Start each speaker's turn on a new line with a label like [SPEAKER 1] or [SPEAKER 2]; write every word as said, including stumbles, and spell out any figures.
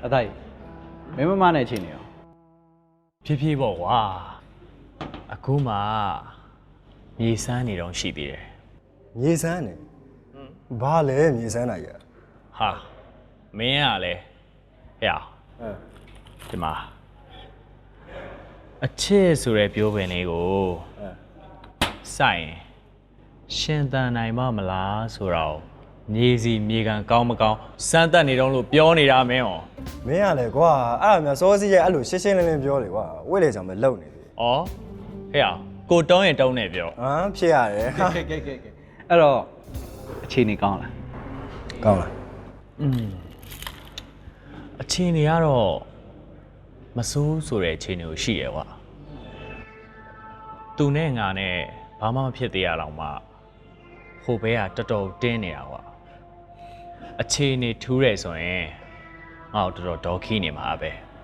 [SPEAKER 1] အတိုင်းမင်းမမနဲ့ချင်းနေရော
[SPEAKER 2] ဖြည်းဖြည်းပေါ့ကွာအခုမှမြေစမ်းနေတော့ရှိသေးတယ်
[SPEAKER 3] မြေစမ်းနေဘာလဲမြေစမ်းတာကြီး
[SPEAKER 2] ဟာမင်းကလည်းဟဲ့
[SPEAKER 3] အဲ
[SPEAKER 2] ဒီမှာအချစ်ဆိုတဲ့ပြောပင်လေးကို
[SPEAKER 3] အဲ
[SPEAKER 2] စိုက်ရင်ရှင်သန်နိုင်မမလားဆိုတော့မြေစီမြေကန်ကောင်းမကောင်းစမ်းတက်နေတော့လို့ပြောနေတာမင်းဟော
[SPEAKER 3] မင်းကလည်းကွာအဲ့ဒါများစောစီးရဲ့အဲ့လိုရှင်းရှင်းလင်းလင်းပြောလေကွာဝိလေကြောင့်ပဲလုံနေပြီ
[SPEAKER 2] ဩဟဲ့ကိုတောင်းရင်တောင်းနေပြော
[SPEAKER 3] ဟမ်ဖြစ်ရတယ်ဟာ
[SPEAKER 1] ကဲကဲကဲကဲအဲ့တော့အခြေအနေကောင်းလား
[SPEAKER 3] ကောင်းလား
[SPEAKER 2] อืมအချင်းတွေကတော့မစိုးဆိုတဲ့အခြေအနေကိုရှိရဲကွာသူနဲ့ငါနဲ့ဘာမှမဖြစ်သေးရအောင်မှဟိုဘဲကတော်တော်တင်းနေတာကွာအခြေအနေထူးတယ်ဆိုရင်ငါ့ကိုတော်တော်ဒေါ်ခီးနေမှာပဲ